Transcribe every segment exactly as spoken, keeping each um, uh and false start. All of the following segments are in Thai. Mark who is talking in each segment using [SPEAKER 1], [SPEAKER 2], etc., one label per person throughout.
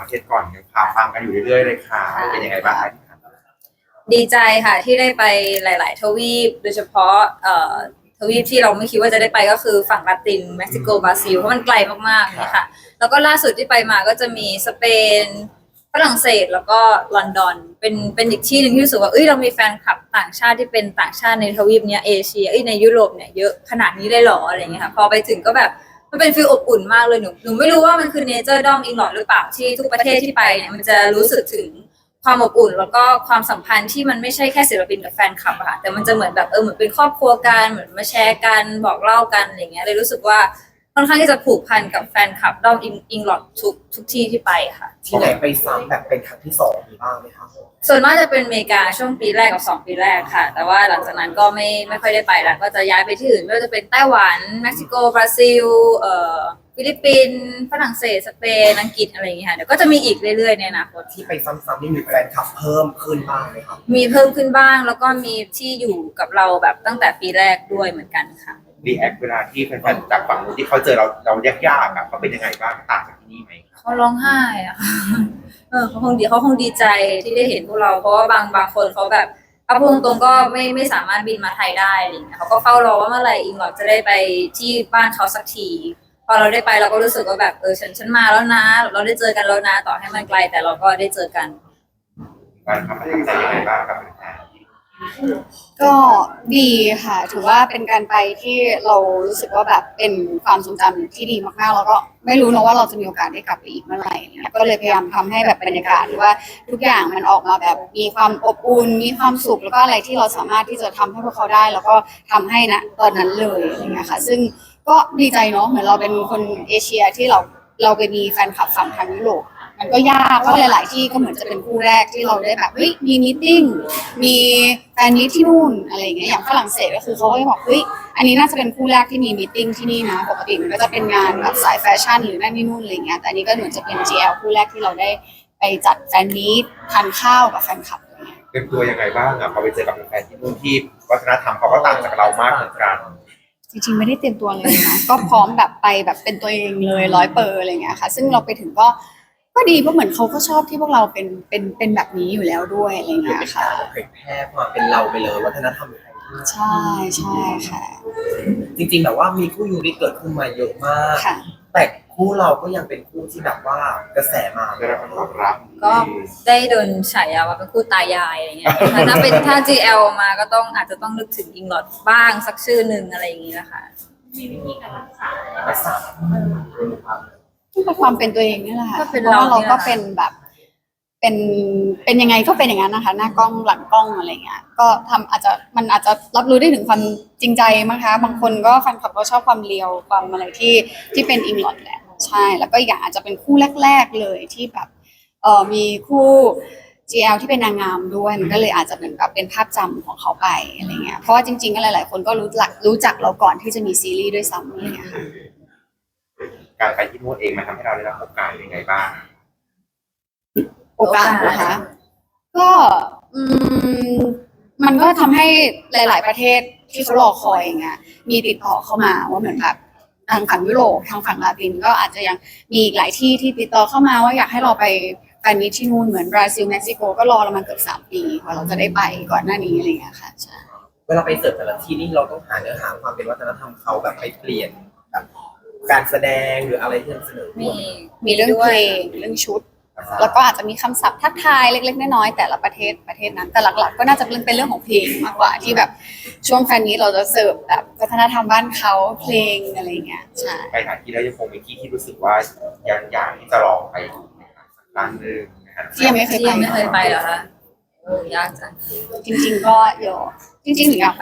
[SPEAKER 1] เทศก่อนยังพาฟังกันอยู่เรื่อยๆเลยค่ะเป็นยังไงบ้างคะ
[SPEAKER 2] ดีใจค่ะที่ได้ไปหลาย ๆ ทวีปโดยเฉพาะเอ่อทวีปที่เราไม่คิดว่าจะได้ไปก็คือฝั่งลาตินเม็กซิโกบราซิลเพราะมันไกลมากๆเนี่ยค่ะแล้วก็ล่าสุดที่ไปมาก็จะมีสเปนฝรั่งเศสแล้วก็ลอนดอนเป็นเป็นอีกที่หนึ่งที่รู้สึกว่าเอ้ยเรามีแฟนคลับต่างชาติที่เป็นต่างชาติในทวีปเนี้ยเอเชียเอ้ยในยุโรปเนี่ยเยอะขนาดนี้ได้หรออะไรเงี้ยค่ะพอไปถึงก็แบบมันเป็นฟีลอบอุ่นมากเลยหนูหนูไม่รู้ว่ามันคือเนเจอร์ด้อมอิงลอดหรือเปล่าที่ทุกประเทศที่ไปเนี่ยมันจะรู้สึกถึงความอบอุ่นแล้วก็ความสัมพันธ์ที่มันไม่ใช่แค่ศิลปินกับแฟนคลับอะค่ะแต่มันจะเหมือนแบบเออเหมือนเป็นครอบครัวกันเหมือนมาแชร์กันบอกเล่ากันอะไรเงี้ยเลยรู้สึกว่าค่อนข้างที่จะผูกพันกับแฟนคลับด้อมอิงอิงลอดทุกทุกที่ที่ไปค่ะ
[SPEAKER 3] ที่ไหนไปซ้ำแบบเป็นครั้งที่สองมีบ้างไหมคะ
[SPEAKER 2] ส่วนมากจะเป็นอเมริกาช่วงปีแรกกับสองปีแรกค่ะแต่ว่าหลังจากนั้นก็ไม่ไม่ค่อยได้ไปแล้วก็จะย้ายไปที่อื่นไม่ว่าจะเป็นไต้หวันเม็กซิโกบราซิลเอ่อฟิลิปปินส์ฝรั่งเศสสเปนอังกฤษอะไรอย่างเงี้ยค่ะเดี๋ยวก็จะมีอีกเรื่อยๆในอนาคต
[SPEAKER 3] ที่ไปซ้ำๆนี่มีแฟนคลับเพิ่มขึ้นบ้างไหมครับ
[SPEAKER 2] มีเพิ่มขึ้นบ้างแล้วก็มีที่อยู่กับเราแบบตั้งแต่ปีแรกด้วยเหมือนกันค่ะ
[SPEAKER 1] รีแอคเวลาที่แฟนๆจากฝั่งนู้นที่เขาเจอเราเรายากๆอ่ะเขาเป็นยังไงบ้างต่างจากที่นี่ไหม
[SPEAKER 2] เขาร้องไห้อะค่ะเออเขาคงดีเขาคงดีใจที่ได้เห็นพวกเราเพราะว่าบางบางคนเขาแบบเอาพูดตรงๆก็ไม่ไม่สามารถบินมาไทยได้อะไรเงี้ยเขาก็เฝ้ารอว่าเมื่อไหร่อิงหลอดจะได้ไปที่บ้านเขาสักทีพอเราได้ไปเราก็รู้สึกว่าแบบเออฉันฉันมาแล้วนะเราได้เจอกันแล้วนะต่อให้มันไกลแต่เราก็ได้เจอกัน
[SPEAKER 1] การทำประทับใจยังไงบ้างครับ
[SPEAKER 4] ก็ดีค่ะถือว่าเป็นการไปที่เรารู้สึกว่าแบบเป็นความทรงจำที่ดีมากๆแล้วก็ไม่รู้นะว่าเราจะมีโอกาสได้กลับไปอีกเมื่อไหร่เนี่ยก็เลยพยายามทำให้แบบบรรยากาศหรือว่าทุกอย่างมันออกมาแบบมีความอบอุ่นมีความสุขแล้วก็อะไรที่เราสามารถที่จะทำให้พวกเขาได้แล้วก็ทำให้นะตอนนั้นเลยอะไรเงี้ยค่ะซึ่งก็ดีใจเนาะเหมือนเราเป็นคนเอเชียที่เราเราไปมีแฟนคลับฝั่งทางยุโรปมันก็ยากเพราะหลายๆที่ก็เหมือนจะเป็นคู่แรกที่เราได้แบบเฮ้ยมีมีตติ้งมีแฟนมิตที่นู่นอะไรอย่างเงี้ยอย่างฝรั่งเศสก็คือเขาก็จะบอกเฮ้ยอันนี้น่าจะเป็นคู่แรกที่มีมีตติ้งที่นี่นะปกติมันก็จะเป็นงานแบบสายแฟชั่นหรือนั่นนี่นู่นอะไรเงี้ยแต่อันนี้ก็เหมือนจะเป็น จี แอล คู่แรกที่เราได้ไปจัดแฟนมิตทานข้าวกับแฟนคลับอะไรเงี้ย
[SPEAKER 1] เป็นตัวยังไงบ้างอ่ะพอไปเจอกับแฟนที่นู่นที่วัฒนธรรมเขาก็ต่างจากเรามากเหมือนกัน
[SPEAKER 4] จริงๆไม่ได้เตรียมตัวเลยนะก็พร้อมแบบไปแบบเป็นตัวเองเลยร้อยเปอร์อะไรเงี้ยค่ะซึ่งเราไปถึงก็ก็ดีเพราะเหมือนเขาก็ชอบที่พวกเราเป็นเป็นเป็นแบบนี้อยู่แล้วด้วยอะไรเงี้ยค่ะ
[SPEAKER 3] เผยแพร่ความเป็นเราไปเลยวัฒนธรรมไทย
[SPEAKER 4] ใช่ใช่ค่ะ
[SPEAKER 3] จริงๆแบบว่ามีคู่ยูริเกิดขึ้นมาเยอะมากแต่คู่เราก็ยังเป็นคู่ที่แบบว่ากระแสมา
[SPEAKER 1] ได้รับการตอบรับ
[SPEAKER 2] ก็ได้โดนฉายาว่าเป็นคู่ตายายอะไรเงี้ยถ้าเป็นถ้า จี แอล มาก็ต้องอาจจะต้องนึกถึงอิงลอดบ้างสักชื่อหนึ่งอะไรอย่างงี้นะคะ
[SPEAKER 5] มีวิธีการรักษา
[SPEAKER 3] รักษา
[SPEAKER 4] ก็ความเป็นตัวเองนี่แหละเพราะว่าเราก็เป็นแบบเป็นเป็นยังไงก็เป็นอย่างนั้นนะคะหน้ากล้องหลังกล้องอะไรเงี้ยก็ทำอาจจะมันอาจจะรับรู้ได้ถึงความจริงใจมั้งคะบางคนก็แฟนคลับก็ชอบความเรียวความอะไรที่ที่เป็นอิงลอดแหละใช่แล้วก็อย่างอาจจะเป็นคู่แรกๆเลยที่แบบเออมีคู่ จี แอล ที่เป็นนางงามด้วยมันก็เลยอาจจะเป็นแบบเป็นภาพจำของเขาไปอะไรเงี้ยเพราะว่าจริงๆก็หลายๆคนก็รู้จักรู้จักเราก่อนที่จะมีซีรีส์ด้วยซ้ำอะไรเงี้ยค่ะ
[SPEAKER 1] การไปที่นู่นเองมันทำให้เราได้รับโอกาสยังไงบ้าง
[SPEAKER 4] โอกาสนะคะก็อืมมันก็ทำให้หลายๆประเทศที่เขารอคอยอย่างเงี้ยมีติดต่อเข้ามาว่าเหมือนแบบทางฝั่งยุโรปทางฝั่งลาตินก็อาจจะยังมีอีกหลายที่ที่ติดต่อเข้ามาว่าอยากให้เราไปแฟนมิตที่นู่นเหมือนบราซิลเม็กซิโกก็รอเรามาเกือบสามปีกว่าเราจะได้ไปก่อนหน้านี้อะไรเงี้ยค่ะใช่
[SPEAKER 3] เวลาไปเสิร์ฟแต่ละที่นี่เราต้องหาเนื้อหาความเป็นวัฒนธรรมเขาแบบไปเปลี่ยนแบบการแสดงหรืออะไรที่นำเสนอ
[SPEAKER 4] มีมีเรื่องเพลงเรื่องชุดแล้วก็อาจจะมีคำศัพท์ทักทายเล็กๆน้อยๆแต่ละประเทศประเทศนั้นแต่หลักๆก็น่าจะเป็นเรื่องของเพลงมากกว่าที่แบบช่วงแฟนนี้เราจะเสิร์ฟแบบวัฒนธรรมบ้านเขาเพลงอะไรเงี้ยใช่
[SPEAKER 1] ไปหาที่แล้วยังคงมีที่ที่รู้สึกว่ายังอยากที่จะลองไปสักครั้งหนึ่ง
[SPEAKER 4] ที่ยังไม่เคยไป
[SPEAKER 2] ไม่เคยไปเหรอคะโอ้ยากจัง
[SPEAKER 4] จริงๆก็เยอะจริงๆหนูอยากไป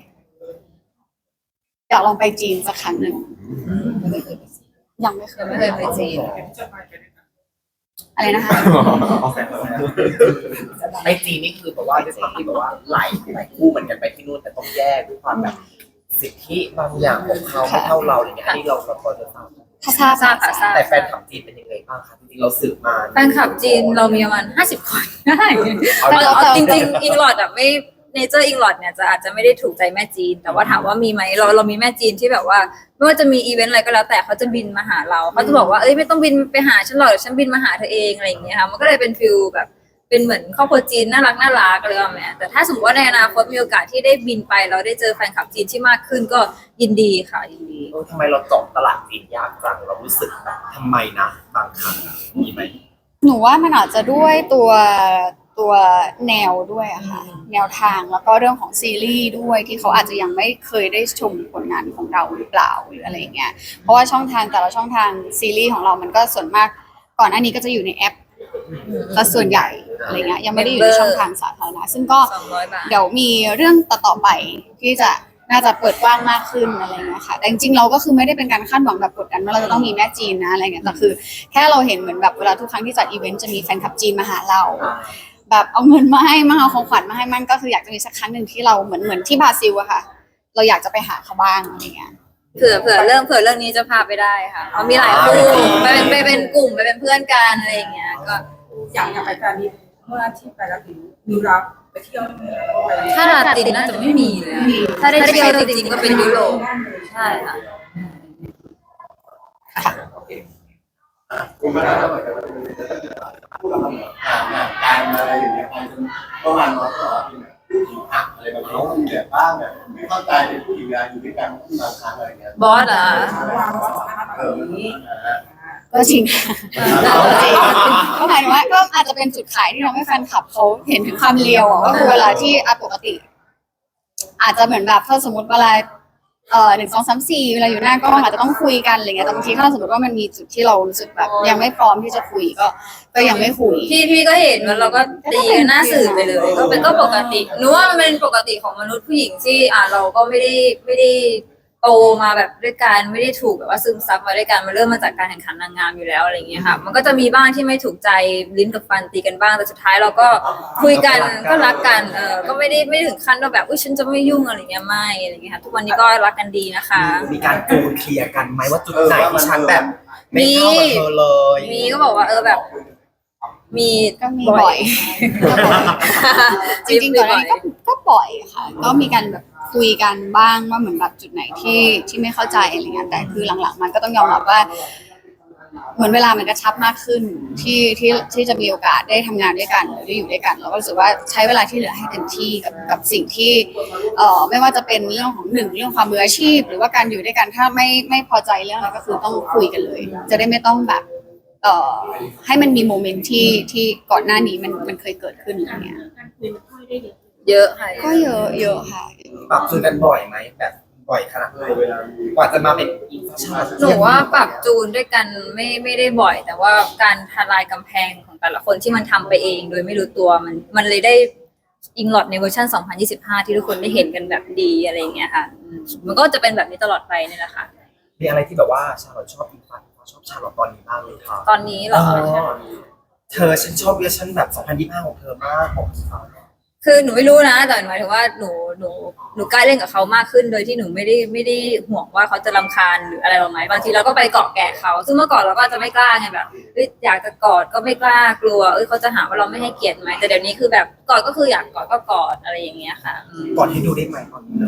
[SPEAKER 4] อยากลองไปจีนสักครั้งหนึ่งยังไม่เคย
[SPEAKER 2] ไม่เคยไปจีน
[SPEAKER 4] อะไรนะคะ
[SPEAKER 3] ไอจีนี่คือแบบว่าด้วยความที่แบบว่าหลายหลายคู่เหมือนกันไปที่นู่นแต่ต้องแยกด้วยความแบบสิทธิบางอย่างของเขาไม่เท่าเราอย่างเงี้ยที่เราเราพอจะทราบ
[SPEAKER 4] ทราบทราบทราบ
[SPEAKER 3] แต่แฟนคลับจีนเป็นยังไงบ้างคะจริงๆเราสืบมา
[SPEAKER 2] แฟนคลับจีนเรามีประมาณห้าสิบคนได้แต่จริงๆอิงลอดอ่ะไม่เนเจอร์อิงลอดเนี่ยจะอาจจะไม่ได้ถูกใจแม่จีน แต่ว่าถามว่ามีไหมเราเรามีแม่จีนที่แบบว่าไม่ว่าจะมีอีเวนต์อะไรก็แล้วแต่เขาจะบินมาหาเราเขาจะบอกว่าเอ้ยไม่ต้องบินไปหาฉันหรอกเดี๋ยวฉันบินมาหาเธอเองอะไรอย่างเงี้ยค่ะมันก็เลยเป็นฟิลแบบเป็นเหมือนครอบครัวจีนน่ารักน่ารักเลยว่าแม่แต่ถ้าสมมติว่าในอนาคตมีโอกาสที่ได้บินไปเราได้เจอแฟนคลับจีนที่มากขึ้นก็ยินดีค่ะยินดี
[SPEAKER 3] เออทำไมเราเจาะตลาดจีนยากจังเรารู้สึกแบบทำไมนะบางครั้งอะมีไหม
[SPEAKER 4] หนูว่ามันอาจจะด้วยตัวตัวแนวด้วยอะค่ะแนวทางแล้วก็เรื่องของซีรีส์ด้วยที่เขาอาจจะยังไม่เคยได้ชมผลงานของเราหรือเปล่าหรืออะไรอย่างเงี้ยเพราะว่าช่องทางแต่ละช่องทางซีรีส์ของเรามันก็ส่วนมากก่อนหน้านี้ก็จะอยู่ในแอปซะส่วนใหญ่อะไรเงี้ยยังไม่ได้อยู่ในช่องทางสาธารณะซึ่งก็
[SPEAKER 2] สองร้อยบาท
[SPEAKER 4] เดี๋ยวมีเรื่องต่อๆไปที่จะน่าจะเปิดกว้างมากขึ้นอะไรเงี้ยค่ะแต่จริงๆเราก็คือไม่ได้เป็นการคาดหวังแบบกดดันว่าเราจะต้องมีแม่จีนนะอะไรเงี้ยแต่คือแค่เราเห็นเหมือนแบบเวลาทุกครั้งที่จัดอีเวนต์จะมีแฟนคลับจีนมาหาเรา แบบเอาเงินมาให้มาเอาของขวัญมาให้มันก็คืออยากจะมีสักครั้งหนึ่งที่เราเหมือนเหมือนที่บราซิลอะค่ะ เราอยากจะไปหาเขาบ้างอะไรเงี้ย
[SPEAKER 2] เผื่อเผื่อเรื่องเผื่อเรื่องนี้จะพาไปได้ค่ะเพราะมีหลายคู่ไปเป็นไปเป็นกลุ่มไปเป็นเพื่อนกันอะไรอย่างเงี้ยก็
[SPEAKER 6] อย่างอย่างไปแฟนมีเมื่อที่ไปแล้วถึงนิวรับไปเที่ยวไป
[SPEAKER 2] ถ้าลาตินน่าจะไม่มีเลยอะถ้าได้เที่ยวจริงๆก็เป็นยุโรปใช่ค่ะ
[SPEAKER 7] คุณมาได้เหมือนกันพูดกับเราการอะไรอย่างเงี้ยประมาณว่าก็ผู้หญิงหักอะไรแบบนี้เขาแบบบ้างแบบไม่เข้าใจในผู้หญิงงานอยู่ด้วยกันบางครั้งอะไรเงี้ย
[SPEAKER 2] บอสเหรอ
[SPEAKER 6] วางสถานะแบบนี้
[SPEAKER 4] ก็จริงค่ะก็หมายถึงว่าก็อาจจะเป็นจุดขายที่ทำให้แฟนคลับเขาเห็นถึงความเลียวอะว่าคือเวลาที่อะปกติ อาจจะเหมือนแบบถ้าสมมติเวลาเอ่อหนึ่งสองสามสี่เวลาอยู่หน้ากล้องอาจจะต้องคุยกันอะไรเงี้ยแต่บางทีถ้าสมมติว่ามันมีจุดที่เรารู้สึกแบบยังไม่พร้อมที่จะคุยก็ก็ยังไม่คุย
[SPEAKER 2] พี่พี่ก็เห็นแล้วเราก็ตีกันหน้าสื่อไปเลยก็เป็นก็ปกติหนูว่ามันเป็นปกติของมนุษย์ผู้หญิงที่อ่าเราก็ไม่ได้ไม่ได้โตมาแบบด้วยกันไม่ได้ถูกแบบว่าซึมซับมาด้วยกันมันเริ่มมาจากการแข่งขันนางงามอยู่แล้วอะไรอย่างเงี้ยค่ะมันก็จะมีบ้างที่ไม่ถูกใจลิ้นกับฟันตีกันบ้างแต่สุดท้ายเราก็คุยกันก็รักกันเออก็ไม่ได้ไม่ได้ถึงขั้นว่าแบบอุ้ยฉันจะไม่ยุ่งอะไรเงี้ยไม่อะไรเงี้ยค่ะทุกวันนี้ก็รักกันดีนะคะ
[SPEAKER 3] มีการโกนเคลียร์กันไหมว่าจุดไหนที่ฉันแบบไม่เข้ากับเธอเลย
[SPEAKER 2] มีก็บอกว่าเออแบบ มี
[SPEAKER 4] ก็มีบ่อยจริงๆก่อนหน้านี้ก็ก็บ่อยค่ะ ก็มีการแบบคุยกันบ้างว่าเหมือนแบบจุดไหนที่ที่ไม่เข้าใจอะไรเงี้ยแต่คือหลังๆมันก็ต้องยอมรับว่า เหมือนเวลามันกระชับมากขึ้นที่ที่ที่จะมีโอกาสได้ทำงานด้วยกันหรือได้อยู่ด้วยกันเราก็รู้สึกว่าใช้เวลาที่เหลือให้เต็มที่กับกับสิ่งที่เอ่อไม่ว่าจะเป็นเรื่องของหนึ่งเรื่องความมืออาชีพ หรือว่าการอยู่ด้วยกันถ้าไม่ไม่พอใจเรื่องอะไรก็คือต้องคุยกันเลย จะได้ไม่ต้องแบบเอ่อให้มันมีโมเมนต์ที่ที่ก่อนหน้านี้มันมันเคยเกิดขึ้นอะไรเงี้ย
[SPEAKER 5] การคุยมันค่อยได้เยอะ
[SPEAKER 2] เยอะค่ะ
[SPEAKER 4] ก็เยอะเยอะค่ะ
[SPEAKER 3] ปรับจูนกันบ่อยไหมแบบบ่อยขนาดไหนกว่าจะมาเป็นอินฟาชั่น
[SPEAKER 2] หนูว่าปรับจูนด้วยกันไม่ไม่ได้บ่อย แต่ว่าการทลายกำแพงของแต่ละคนที่มันทำไปเอง โดยไม่รู้ตัวมันมันเลยได้อิงลอดในเวอร์ชันสองพันยี่สิบห้าที่ทุกคนได้เห็นกันแบบดีอะไรอย่างเงี้ยค่ะอืมมันก็จะเป็นแบบนี้ตลอดไปนี่แหละค่ะ
[SPEAKER 3] มีอะไรที่แบบว่าชาลอตชอบอินฟาชอบชาลอตตอนนี้บ้างเลยค่ะ
[SPEAKER 2] ตอนนี้เหรอ
[SPEAKER 3] เธอฉันชอบเวอร์ชันแบบสองพันยี่สิบห้าของเธอมากของเขา
[SPEAKER 2] คือหนูไม่รู้นะแต่หมายถึงว่าหนูหนูหนูกล้าเล่นกับเขามากขึ้น โดยที่หนูไม่ได้ไม่ได้ห่วงว่าเขาจะรำคาญหรืออะไรเราไหมบางทีเราก็ไปเกาะแกะเขาซึ่งเมื่อก่อนเราก็จะไม่กล้าไงแบบเอ้ยอยากจะกอดก็ไม่กล้ากลัวเอ้ยเขาจะหาว่าเราไม่ให้เกียรติไหมแต่เดี๋ยวนี้คือแบบกอดก็คืออยากกอดก็กอดอะไรอย่างเงี้ยค่ะอืม
[SPEAKER 3] ก่อนให้ดูได้ไหมก่อนที่เลย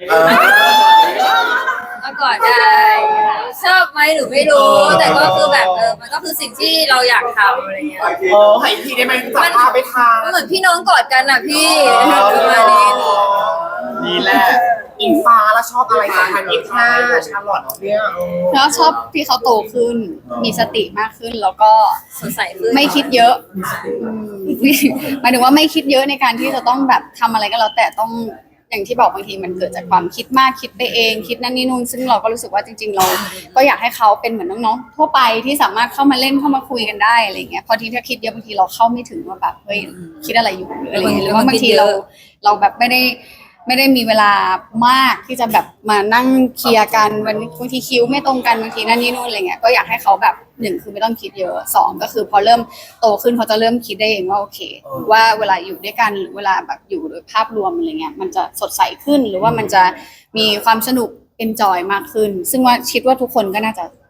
[SPEAKER 2] ก็กอดได้ชอบไหมหนูไม่รู้ แต่ก็คือแบบเออมันก็คือสิ่งที่เราอยากทำอะไรเงี้ย
[SPEAKER 3] โอ้ให้ทีได้ไหมจับภาพไปทาง
[SPEAKER 2] มันเหมือนพี่น้องกอดกันอ่ะพี่ประมาณนี้
[SPEAKER 3] นี่แหละอิงฟ้าแล้วชอบอะไรสองพันยี่สิบห้าชาลอตเนี่ย
[SPEAKER 4] แล้วชอบที่เขาโตขึ้น มีสติมากขึ้นแล้วก็
[SPEAKER 2] สดใสขึ้น
[SPEAKER 4] ไม่คิดเยอะอืมหมายถึงว่าไม่คิดเยอะในการที่จะต้องแบบทำอะไรก็แล้วแต่ต้องอย่างที่บอกบางทีมันเกิดจากความคิดมากคิดไปเองคิดนั่นนี่นู่นซึ่งเราก็รู้สึกว่าจริง ๆ เรา ก็อยากให้เขาเป็นเหมือนน้องๆทั่วไปที่สามารถเข้ามาเล่นเข้ามาคุยกันได้อะไรเงี้ยพอทีถ้าคิดเยอะบางทีเราเข้าไม่ถึงว่าแบบเฮ้ยคิดอะไรอยู่หรืออะไรเงี้ยหรือว่าบางทีเราเราแบบไม่ได้ไม่ได้มีเวลามากที่จะแบบมานั่งเคลียร์กันวันบางทีคิวไม่ตรงกันบางทีนั่นนี่นู่นอะไรเงี้ยก็อยากให้เขาแบบหนึ่งคือไม่ต้องคิดเยอะสองก็คือพอเริ่มโตขึ้นเขาจะเริ่มคิดได้เองว่าโอเค ว่าเวลาอยู่ด้วยกันหรือเวลาแบบอยู่โดยภาพรวมอะไรเงี้ยมันจะสดใสขึ้นหรือว่ามันจะมีความสนุกเอนจอยมากขึ้น ซึ่งว่าคิดว่าทุกคนก็น่าจะ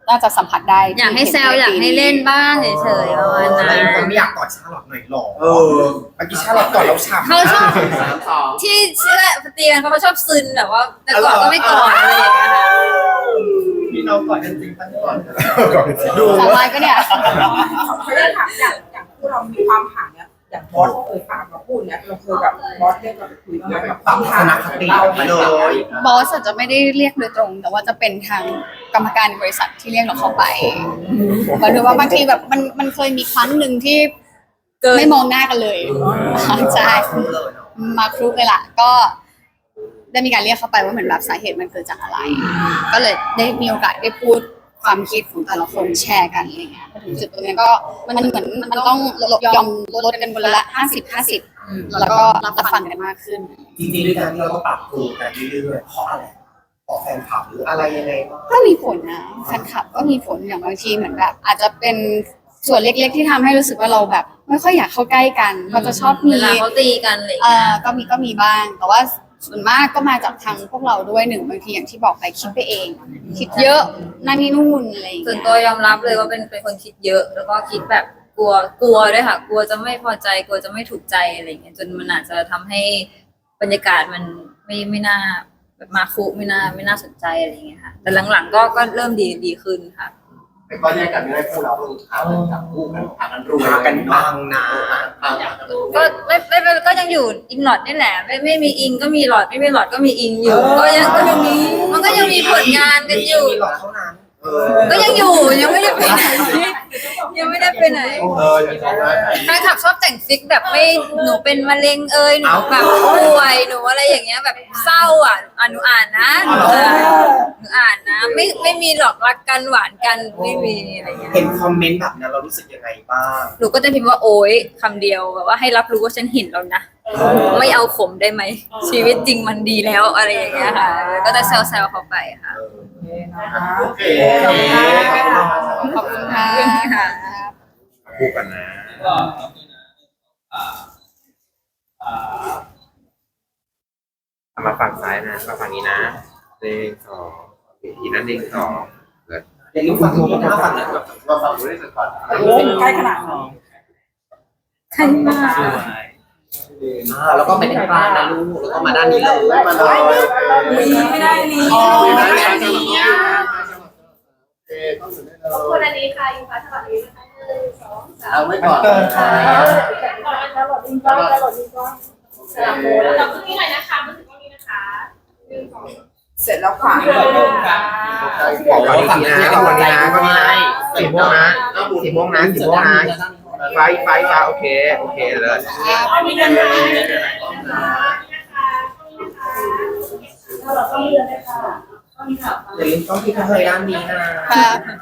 [SPEAKER 4] น่าจะสัมผัสได้
[SPEAKER 2] อยากให้แซวอยากให้เล่นบ้างเฉยๆประมาณ
[SPEAKER 3] อะไร
[SPEAKER 2] นั้น
[SPEAKER 3] คนไม่อยากกอดชาลอตหน่อยหรอเออเมื่อกี้ชาลอตกอดแล้วฉ่ำ
[SPEAKER 2] เขาชอบ
[SPEAKER 3] สามสอง
[SPEAKER 2] ที่เชื่อเตียนเขาชอบซึนแบบว่าแต่ก่อนก็ไม่ก่อนอะไรอย่างเงี้ยค่ะ
[SPEAKER 3] พี่น้องกอดกันจริงตั้งก่อน
[SPEAKER 4] ดูสบายก็เนี่ย
[SPEAKER 6] เขาได้ถามอย่างอย่างผู้เรามีความห่างเนี่ยอย่างบอสเคยฝากมาพูดเนี่ยเราเคยกับบอสเรียกเราไปคุยไหมแบบ
[SPEAKER 3] ปรับทัศนคติมาเลย
[SPEAKER 4] บอสอาจจะไม่ได้เรียกโดยตรง แต่ว่าจะเป็นทางกรรมการบริษัทที่เรียกเราเข้าไปหมายถึงว่าบางทีแบบมันมันเคยมีครั้งหนึ่งที่
[SPEAKER 2] เกิน
[SPEAKER 4] ไม่มองหน้ากันเลยใช่
[SPEAKER 3] เลยเนาะ
[SPEAKER 4] มาครุกเลยล่ะก็ได้มีการเรียกเข้าไปว่าเหมือนแบบสาเหตุมันเกิดจากอะไร ก็เลยได้มีโอกาสได้พูดความคิดของแต่ละคนแชร์กันอะไรเงี้ยพอถึงจุดตรงนี้ก็มันเหมือนมันต้องยอมลดกันคนละห้าสิบห้าสิบแล้วก็รับฟังกันมากขึ้น
[SPEAKER 3] จริงๆด้วยการที่เราต้องปรับตัวกันเรื่อยๆเพราะอะไรเพราะแฟนคลับหรืออะไรยังไงบ้าง
[SPEAKER 4] ก็มีผลนะแฟนคลับก็มีผลอย่างบางทีเหมือนแบบ อาจจะเป็นส่วนเล็กๆที่ทำให้รู้สึกว่าเราแบบ ไม่ค่อยอยากเข้าใกล้กันเขาจะชอบมี
[SPEAKER 2] เวลาเขาตีกันอะไรอย่าง
[SPEAKER 4] เอ่
[SPEAKER 2] เงี้
[SPEAKER 4] อย ก็มีก็มีบ้าง แต่ว่าส่วนมากก็มาจากทางพวกเราด้วยหนึ่งบางทีอย่างที่บอกไปคิดไปเอง คิดเยอะนั่นนี่นู่นอะไรอย่าง
[SPEAKER 2] ส่ว
[SPEAKER 4] เงี้
[SPEAKER 2] น
[SPEAKER 4] ย
[SPEAKER 2] ตัวยอมรับเลยว่าเป็นเป็นคนคิดเยอะ แล้วก็คิดแบบกลัวกลัวด้วยค่ะ กลัวจะไม่พอใจกลัวจะไม่ถูกใจอะไรอย่างเงี้ยจนมันอาจจะทำให้บรรยากาศมันไม่ไม่น่าแบบมาคุไม่น่าไม่น่าสนใจอะไรอย่างเงี้ยค่ะ แต่หลังๆก็ก็เริ่มดีดีขึ้นค่ะ
[SPEAKER 7] แต่ก็แยกกันไม่ได้คู่เราต้องหากันจับคู่กันหากันรวย
[SPEAKER 3] มากันบังนะ
[SPEAKER 2] ก็ไม่ไม่ไม่ก็ยังอยู่อิงหลอดนี่แหละ ไม่ไม่มีอิงก็มีหลอดไม่มีหลอดก็มีอิงอยู่ ก็ยังก็ยังมีมันก็ยังมีผลงานกันอยู่
[SPEAKER 3] มีหลอดเท่านั้น
[SPEAKER 7] เออ
[SPEAKER 2] ก็ยังอยู่ยังไม่ได้ไปไหนยังไม่ได้ไปไหน
[SPEAKER 7] เอออย่างนั้นนะ
[SPEAKER 2] แฟนคลับชอบแต่งฟิกแบบไม่หนูเป็นมะเร็งเอยหนูแบบป่วยหนูอะไรอย่างเงี้ยแบบเศร้าอ่ะอ่ะหนูอ่านนะเออหนูอ่านนะ ไม่ไม่มีหรอกรักกันหวานกันไม่มีอะไรเงี้ย
[SPEAKER 3] เห็นคอมเมนต์แบบนั้นเรารู้สึกยังไงบ้าง
[SPEAKER 2] หนูก็จะพิมพ์ว่าโอ๊ยคำเดียวแบบว่าให้รับรู้ว่าฉันเห็นแล้วนะไม่เอาขมได้ไหมชีวิตจริงมันดีแล้วอะไรอย่างเงี้ยค่ะ ก็จะแซวๆเขาไปค่ะ
[SPEAKER 7] โอเค
[SPEAKER 4] ขอบคุณค่ะ
[SPEAKER 2] ค่ะ
[SPEAKER 1] คู่กันนะเอามาฝั่งซ้ายนะมาฝั่งนี้นะหนึ่งสองอีกนั่นหนึ่งสองเกิด
[SPEAKER 3] อย่าลืมฟังนี้นะฟังนะ
[SPEAKER 7] เราฟังดูได้สักก่อน
[SPEAKER 6] ใกล้ขนาดนั้น
[SPEAKER 2] ใช่มาก
[SPEAKER 3] อ่าแล้วก็ไม่ได้บ้านนะลูกแล้วก็มาด้านนี้เลย
[SPEAKER 7] มาเลย
[SPEAKER 6] ลีไม่ได้ลี
[SPEAKER 3] อ๋อไม่ได้อันนี้อ่ะ
[SPEAKER 7] โอเคต้องอยู่ได้เล
[SPEAKER 5] ขอบคุณ
[SPEAKER 7] ย
[SPEAKER 5] อันนี้ค่ะยูฟ้าสวัสดีนะคะหนึ่งสองสาม
[SPEAKER 7] เอาไว้ก่อน
[SPEAKER 5] ก่อนแล้วหลอดลิงก้อนแล้วหลอดลิงก้อนสลับโบแล้วเราขึ้นนี่หน่อยนะคะมาถึงตรงนี้นะคะหนึ่งสอง
[SPEAKER 6] เสร็จแล้วค่ะ
[SPEAKER 1] บอกก่อนอีกทีนะก็วันนี้นะก็นี้นะสีม่วงนะสีม่วงนะสีม่วงนะไฟไฟฟ้าโอเคโอเคเลย
[SPEAKER 5] มีเงินไหมเราต้องเลือกเลยค่ะ
[SPEAKER 3] อย่าลืมต้องที่เคยด้านนี้นะ
[SPEAKER 4] ค่ะ